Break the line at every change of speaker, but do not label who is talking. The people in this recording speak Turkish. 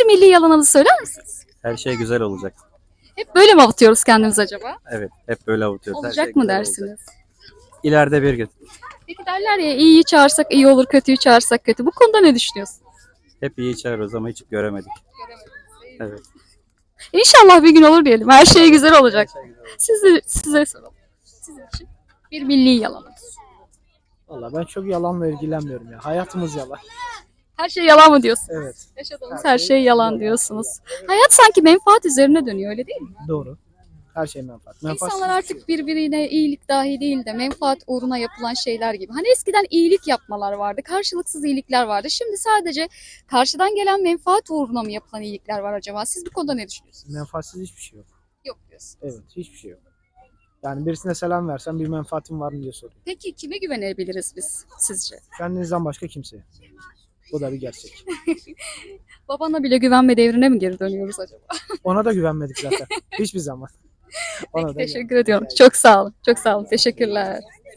Bir milli yalanınızı söyler misiniz?
Her şey güzel olacak.
Hep böyle mi avutuyoruz kendimizi acaba?
Evet, hep böyle avutuyoruz. Her
Olacak
şey
mı
güzel
dersiniz?
olacak. İleride bir gün.
Peki derler ya iyiyi çağırsak iyi olur, kötüyü çağırsak kötü. Bu konuda ne düşünüyorsun?
Hep iyi çağırıyoruz ama hiç göremedik. Evet.
İnşallah bir gün olur diyelim. Her şey güzel olacak. Size soralım. Sizin için bir milli yalanınız.
Valla ben çok yalanla ilgilenmiyorum ya. Hayatımız yalan.
Her şey yalan mı diyorsunuz?
Evet.
Yaşadığımız her şey yalan diyorsunuz. Hayat sanki menfaat üzerine dönüyor öyle değil mi?
Doğru. Her şey menfaat.
İnsanlar artık birbirine iyilik dahi değil de menfaat uğruna yapılan şeyler gibi. Hani eskiden iyilik yapmalar vardı, karşılıksız iyilikler vardı. Şimdi sadece karşıdan gelen menfaat uğruna mı yapılan iyilikler var acaba? Siz bu konuda ne düşünüyorsunuz?
menfaatsiz hiçbir şey yok.
Yok diyorsun.
Evet, hiçbir şey yok. Yani birisine selam versen bir menfaatin var mı diye soruyor.
Peki kime güvenebiliriz biz sizce?
Kendinizden başka kimseye. Bu da bir gerçek.
Babana bile güvenme devrine mi geri dönüyoruz acaba?
Ona da güvenmedik zaten. Hiçbir zaman. Ona
Peki
da
teşekkür ediyorum. Çok sağ olun. Çok sağ olun. Teşekkürler.